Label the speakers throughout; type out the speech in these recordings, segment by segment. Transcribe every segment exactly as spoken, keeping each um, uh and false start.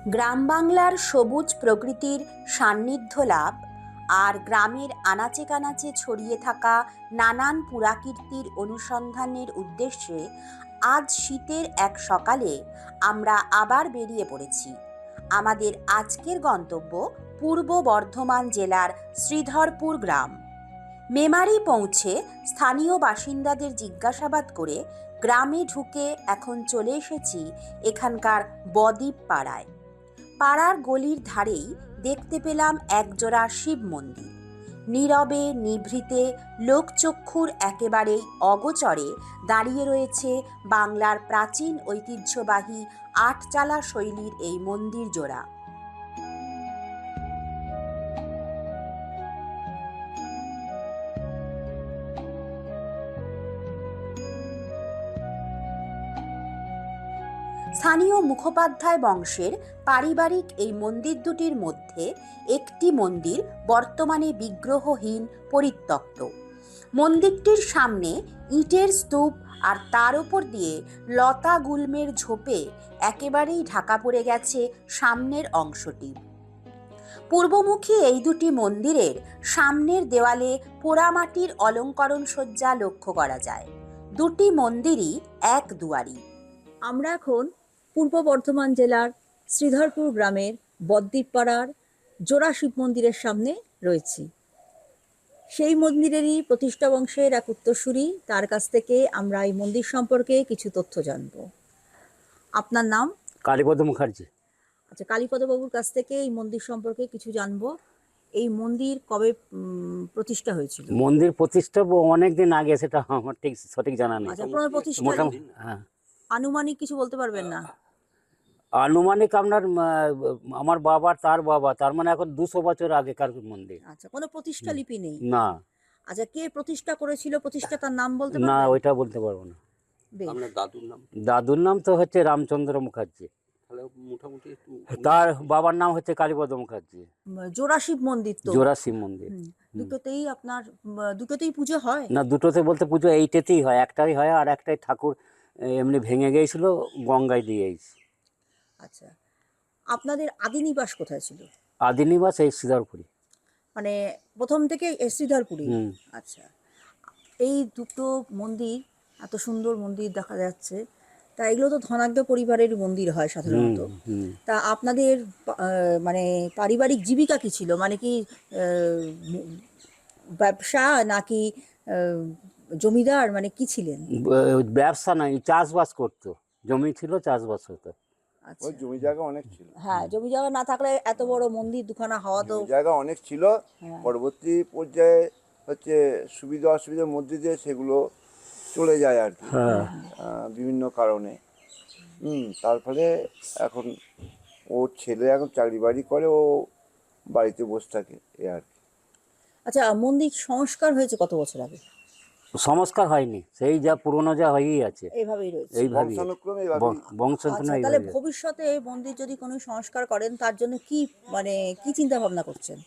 Speaker 1: গ্রাম বাংলার সবুজ প্রকৃতির সান্নিধ্য লাভ আর গ্রামের আনাচে কানাচে ছড়িয়ে থাকা নানান পুরাকীর্তির অনুসন্ধানের উদ্দেশ্যে আজ শীতের এক সকালে আমরা আবার বেরিয়ে পড়েছি। আমাদের আজকের গন্তব্য পূর্ব বর্ধমান জেলার শ্রীধরপুর গ্রাম। মেমারি পৌঁছে স্থানীয় বাসিন্দাদের জিজ্ঞাসাবাদ করে গ্রামে ঢুকে এখন চলে এসেছি এখানকার বদ্বীপ পাড়ায়। পাড়ার গলির ধারেই দেখতে পেলাম একজোড়া শিব মন্দির। নীরবে নিভৃতে লোকচক্ষুর একেবারেই অগোচরে দাঁড়িয়ে রয়েছে বাংলার প্রাচীন ঐতিহ্যবাহী আটচালা শৈলীর এই মন্দির জোড়া। স্থানীয় মুখোপাধ্যায় বংশের পারিবারিক এই মন্দির দুটির মধ্যে একটি মন্দির বর্তমানে বিগ্রহহীন পরিত্যক্ত। মন্দিরটির সামনে ইটের স্তূপ আর তার উপর দিয়ে লতা গুল্মের ঝোপে একেবারেই ঢাকা পড়ে গেছে সামনের অংশটি। পূর্বমুখী এই দুটি মন্দিরের সামনের দেওয়ালে পোড়ামাটির অলঙ্করণ সজ্জা লক্ষ্য করা যায়। দুটি মন্দিরই এক দুয়ারি।
Speaker 2: আমরা এখন পূর্ব বর্ধমান জেলার শ্রীধরপুর গ্রামের বদ্বীপ পাড়ার জোড়া শিব মন্দিরের সামনে রয়েছি। সেই মন্দিরেরই প্রতিষ্ঠা বংশের এক উত্তরসূরি, তার কাছ থেকে আমরা এই মন্দির সম্পর্কে কিছু তথ্য জানব। আপনার নাম?
Speaker 3: কালীপদ মুখার্জি।
Speaker 2: আচ্ছা, কালীপদ বাবুর কাছ থেকে এই মন্দির সম্পর্কে কিছু জানব। এই মন্দির কবে প্রতিষ্ঠা হয়েছিল?
Speaker 3: মন্দির প্রতিষ্ঠা অনেক দিন আগে, সেটা আমার ঠিক সঠিক জানা নেই।
Speaker 2: আচ্ছা, আপনার প্রতিষ্ঠা
Speaker 3: মোটামুটি হ্যাঁ,
Speaker 2: আনুমানিক কিছু বলতে পারবেন না?
Speaker 3: আনুমানিক আপনার আমার বাবা, তার বাবা, তার মানে এখন দুশো বছর আগেকার মন্দির।
Speaker 2: আচ্ছা, কোনো প্রতিষ্ঠা লিপি নেই?
Speaker 3: না।
Speaker 2: আচ্ছা, কে প্রতিষ্ঠা করেছিল, প্রতিষ্ঠা তার নাম বলতে পারবেন?
Speaker 3: না, ওইটা বলতে পারবো না।
Speaker 4: আপনার দাদুর নাম?
Speaker 3: দাদুর নাম তো হচ্ছে রামচন্দ্র মুখার্জি।
Speaker 4: তাহলে মোটামুটি একটু
Speaker 3: তার বাবার নাম হচ্ছে কালীপদ মুখার্জি।
Speaker 2: জোড়া শিব মন্দির তো?
Speaker 3: জোড়া শিব মন্দির।
Speaker 2: দুটোতেই আপনার দুটোতেই পুজো হয়?
Speaker 3: না, দুটোতে বলতে পুজো এইটাতেই হয়, একটাই হয়, আর একটাই ঠাকুর এমনি ভেঙে গিয়েছিল, গঙ্গায় দিয়েছি।
Speaker 2: আচ্ছা, আপনাদের আদি নিবাস কোথায় ছিল?
Speaker 3: আদি নিবাস এই শ্রীধরপুরি,
Speaker 2: মানে প্রথম থেকে শ্রীধরপুরি। আচ্ছা, এই দুটো মন্দির, এত সুন্দর মন্দির দেখা যাচ্ছে, তা এগুলো তো ধনাঢ্য পরিবারের মন্দির হয় সাধারণত। তা আপনাদের মানে পারিবারিক জীবিকা কি ছিল? মানে কি ব্যবসা নাকি জমিদার, মানে কি ছিলেন?
Speaker 3: ব্যবসা নাই, চাষবাস করতো, জমি ছিল, চাষবাস হতো।
Speaker 4: ওই জমি জায়গা অনেক ছিল।
Speaker 2: হ্যাঁ, জমি জায়গা না থাকলে এত বড় মন্দির দুখানা হওয়া তো।
Speaker 4: জায়গা অনেক ছিল, পরবর্তী পর্যায়ে হচ্ছে সুবিধা অসুবিধার মধ্যে দিয়ে সেগুলো চলে যায় আর কি, বিভিন্ন কারণে। হুম তার ফলে এখন ওর ছেলে এখন চাকরি বাড়ি করে, ও বাড়িতে বসে থাকে, এ আর কি।
Speaker 2: আচ্ছা, মন্দির সংস্কার হয়েছে কত বছর আগে?
Speaker 3: সংস্কার হয়নি, সেই যা পুরনো যা হয়েই আছে,
Speaker 2: এইভাবেই রয়েছে,
Speaker 3: এইভাবে বংশানুক্রমে।
Speaker 2: তাহলে ভবিষ্যতে মন্দির যদি কোনো সংস্কার করেন, তার জন্য কি মানে কি চিন্তা ভাবনা করছেন?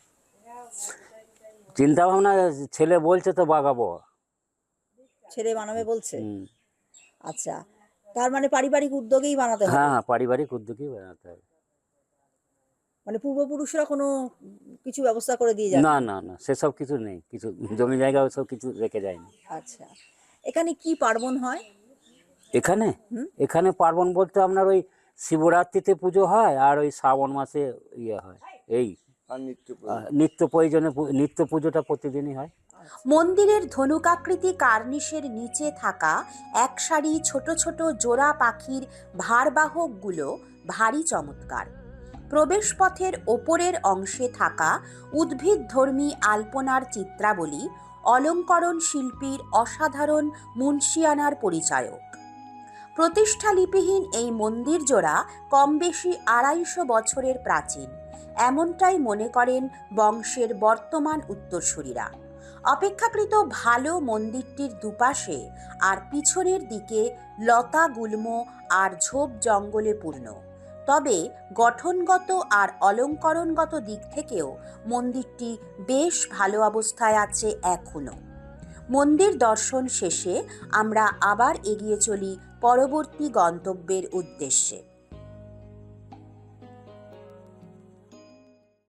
Speaker 3: চিন্তা ভাবনা ছেলে বলছে তো বাগাবো।
Speaker 2: ছেলে বানাবে বলছে? আচ্ছা, তার মানে পারিবারিক উদ্যোগেই বানাতে হবে?
Speaker 3: হ্যাঁ, পারিবারিক উদ্যোগেই বানাতে হবে।
Speaker 2: মানে পূর্বপুরুষরা কোনো কিছু ব্যবস্থা করে দিয়ে যায়?
Speaker 3: না না না, সেসব কিছু নেই, কিছু জমি জায়গা ওসব কিছু রেখে যায়নি।
Speaker 2: আচ্ছা, এখানে কি পার্বণ হয়?
Speaker 3: এখানে এখানে পার্বণ বলতে আপনার ওই শিবরাত্রিতে পুজো হয়, আর ওই শ্রাবণ মাসে ইয়ে হয়, এই নিত্য প্রয়োজনে নিত্য পুজোটা প্রতিদিনই হয়।
Speaker 1: মন্দিরের ধনুকাকৃতি কার্নিশের নিচে থাকা এক সারি ছোট ছোট জোড়া পাখির ভারবাহকগুলো ভারী চমৎকার। প্রবেশপথের ওপরের অংশে থাকা উদ্ভিদধর্মী আলপনার চিত্রাবলী অলঙ্করণ শিল্পীর অসাধারণ মুন্সিয়ানার পরিচায়ক। প্রতিষ্ঠা লিপিহীন এই মন্দির জোড়া কম বেশি আড়াইশো বছরের প্রাচীন, এমনটাই মনে করেন বংশের বর্তমান উত্তরসূরিরা। অপেক্ষাকৃত ভালো মন্দিরটির দুপাশে আর পিছনের দিকে লতা গুল্ম আর ঝোপ জঙ্গলে পূর্ণ, তবে গঠনগত আর অলঙ্করণগত দিক থেকেও মন্দিরটি বেশ ভালো অবস্থায় আছে এখনো। মন্দির দর্শন শেষে আমরা আবার এগিয়ে চলি পরবর্তী গন্তব্যের উদ্দেশ্যে।